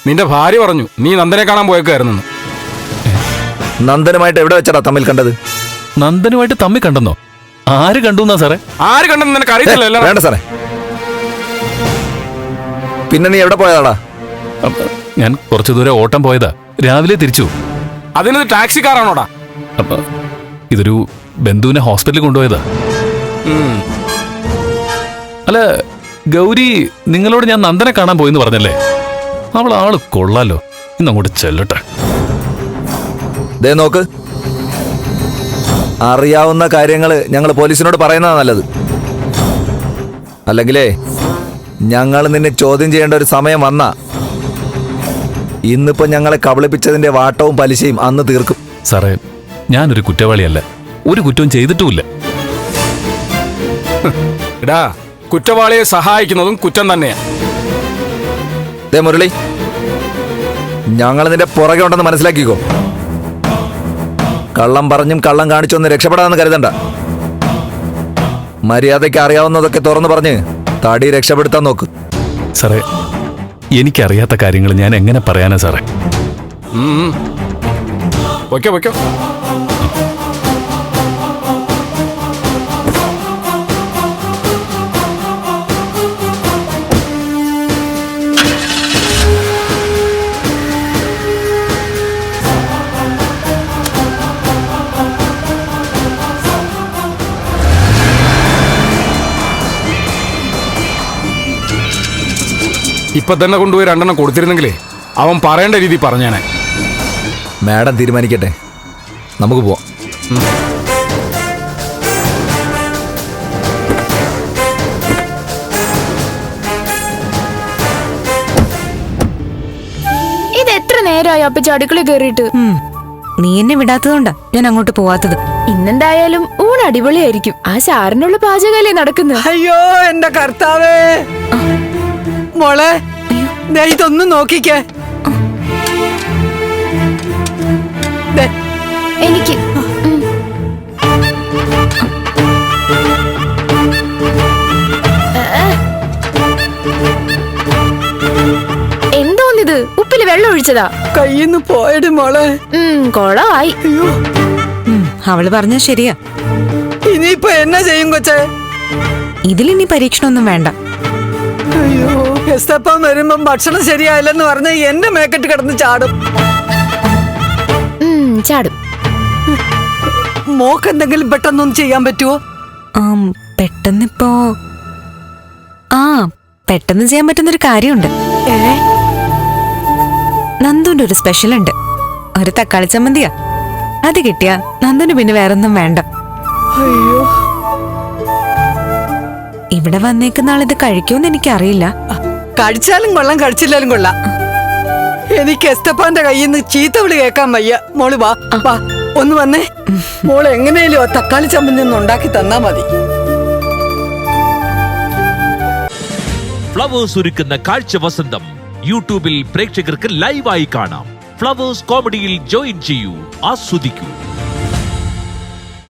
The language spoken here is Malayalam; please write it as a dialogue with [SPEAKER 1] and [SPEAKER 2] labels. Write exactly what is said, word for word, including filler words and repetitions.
[SPEAKER 1] നിന്റെ ഭാര്യ പറഞ്ഞു നീ നന്ദനെ കാണാൻ പോയേക്കായിരുന്നു.
[SPEAKER 2] നന്ദനുമായിട്ട് എവിടെ വെച്ചാടാ തമ്മിൽ കണ്ടത്?
[SPEAKER 3] നന്ദനുമായിട്ട് തമ്മിൽ കണ്ടെന്നോ? ആര് കണ്ടു എന്നാ സാറേ?
[SPEAKER 1] ആര് കണ്ടെന്ന് നിനക്ക് അറിയത്തില്ലല്ലോ.
[SPEAKER 2] വേണ്ട സാറേ. പിന്നെ നീ എവിടെ പോയതാടാ?
[SPEAKER 3] ഞാൻ കുറച്ചു ദൂരം ഓട്ടം പോയതാ, രാവിലെ തിരിച്ചു.
[SPEAKER 1] അതിനൊരു ടാക്സിക്കാരാണോടാ?
[SPEAKER 3] അപ്പൊ ഇതൊരു ബന്ധുവിനെ ഹോസ്പിറ്റലിൽ കൊണ്ടുപോയതാ. അല്ല ഗൗരി, നിങ്ങളോട് ഞാൻ നന്ദനെ കാണാൻ പോയെന്ന് പറഞ്ഞല്ലേ? അവൾ ആള് കൊള്ളാലോ, ഇന്നങ്ങോട്ട് ചെല്ലട്ടെ.
[SPEAKER 2] ദേ നോക്ക്, അറിയാവുന്ന കാര്യങ്ങള് ഞങ്ങൾ പോലീസിനോട് പറയുന്നതാ നല്ലത്. അല്ലെങ്കിലേ ഞങ്ങൾ നിന്നെ ചോദ്യം ചെയ്യേണ്ട ഒരു സമയം വന്നാ ഇന്നിപ്പോ ഞങ്ങളെ കബളിപ്പിച്ചതിന്റെ വാട്ടവും പലിശയും അന്ന് തീർക്കും.
[SPEAKER 3] സാറേ, ഞാനൊരു കുറ്റവാളിയല്ല, ഒരു കുറ്റവും ചെയ്തിട്ടുമില്ല.
[SPEAKER 1] എടാ, കുറ്റവാളിയെ സഹായിക്കുന്നതും കുറ്റം തന്നെയാ.
[SPEAKER 2] ദേ മുരളി, ഞങ്ങൾ നിന്റെ പുറകെ ഉണ്ടെന്ന് മനസ്സിലാക്കിക്കോ. കള്ളം പറഞ്ഞും കള്ളം കാണിച്ചൊന്ന് രക്ഷപ്പെടാമെന്ന് കരുതണ്ട. മര്യാദയ്ക്ക് അറിയാവുന്നതൊക്കെ തുറന്നു പറഞ്ഞ് തടി രക്ഷപ്പെടുത്താൻ നോക്ക്.
[SPEAKER 3] സാറേ, എനിക്കറിയാത്ത കാര്യങ്ങൾ ഞാൻ എങ്ങനെ പറയാനാ സാറേ?
[SPEAKER 1] വയ്ക്കോ വയ്ക്കോ. ഇപ്പൊ തന്നെ കൊണ്ടുപോയി രണ്ടെണ്ണം കൊടുത്തിരുന്നെങ്കിലേ അവൻ പറയേണ്ട രീതി പറഞ്ഞേനെ.
[SPEAKER 2] മാഡം തീരുമാനിക്കട്ടെ, നമുക്ക് പോവാം.
[SPEAKER 4] ഇത് എത്ര നേരമായി അപ്പച്ചി അടുക്കള കയറിയിട്ട്?
[SPEAKER 5] നീ എന്നെ വിടാത്തതുകൊണ്ടാ ഞാൻ അങ്ങോട്ട് പോവാത്തത്.
[SPEAKER 4] ഇന്നെന്തായാലും ഊണ് അടിപൊളിയായിരിക്കും. ആ ചാറിനുള്ള പാചകല്ലേ നടക്കുന്നത്.
[SPEAKER 6] അയ്യോ എന്റെ കർത്താവേ, മോളെ ഇതൊന്നും നോക്കിക്കേ.
[SPEAKER 4] എനിക്ക് എന്തോന്നിത്? ഉപ്പില് വെള്ളം ഒഴിച്ചതാ?
[SPEAKER 6] കയ്യിന്ന് പോയട് മോളെ.
[SPEAKER 4] കൊളമായി.
[SPEAKER 5] അവള് പറഞ്ഞ ശരിയാ.
[SPEAKER 6] ഇനിയിപ്പൊ എന്നാ ചെയ്യും കൊച്ചേ?
[SPEAKER 5] ഇതിലിനി പരീക്ഷണമൊന്നും വേണ്ട.
[SPEAKER 6] അയ്യോ, എസ്തപ്പം വരുമ്പം ഭക്ഷണം ശരിയായില്ലെന്ന് പറഞ്ഞ എന്റെ മേക്കെട്ട് കിടന്ന് ചാടും.
[SPEAKER 4] ചാടും.
[SPEAKER 6] മോക്ക് എന്തെങ്കിലും പെട്ടെന്നൊന്നും ചെയ്യാൻ പറ്റുമോ?
[SPEAKER 5] പെട്ടെന്നിപ്പോ ആ പെട്ടെന്ന് ചെയ്യാൻ പറ്റുന്നൊരു കാര്യമുണ്ട്.
[SPEAKER 6] ഏ,
[SPEAKER 5] നന്ദുന്റെ ഒരു സ്പെഷ്യൽ ഉണ്ട്, ഒരു തക്കാളി ചമ്മന്തിയാ. അത് കിട്ടിയാ നന്ദുന് പിന്നെ വേറൊന്നും വേണ്ട.
[SPEAKER 6] അയ്യോ,
[SPEAKER 5] ഇവിടെ വന്നേക്കുന്ന ആളിത് കഴിക്കുമെന്ന് എനിക്കറിയില്ല.
[SPEAKER 6] കഴിച്ചാലും കൊള്ളാം, കഴിച്ചില്ലാലും കൊള്ളാം. എനിക്ക് എസ്തപ്പാന്റെ കയ്യിൽ നിന്ന് ചീത്ത വിളി കേൾക്കാൻ വയ്യ. മോള് വാ വാ, ഒന്ന് വന്നേ. മോള് എങ്ങനെയാലും ആ തക്കാളി ചമ്മന്തി ഒന്ന് ഉണ്ടാക്കി തന്നാ മതി.
[SPEAKER 7] ഫ്ലവേഴ്സ് ഒരുക്കുന്ന കാഴ്ച വസന്തം യൂട്യൂബിൽ പ്രേക്ഷകർക്ക് ലൈവായി കാണാം. ഫ്ലവേഴ്സ് കോമഡിയിൽ ജോയിൻ ചെയ്യൂ, ആസ്വദിക്കൂ.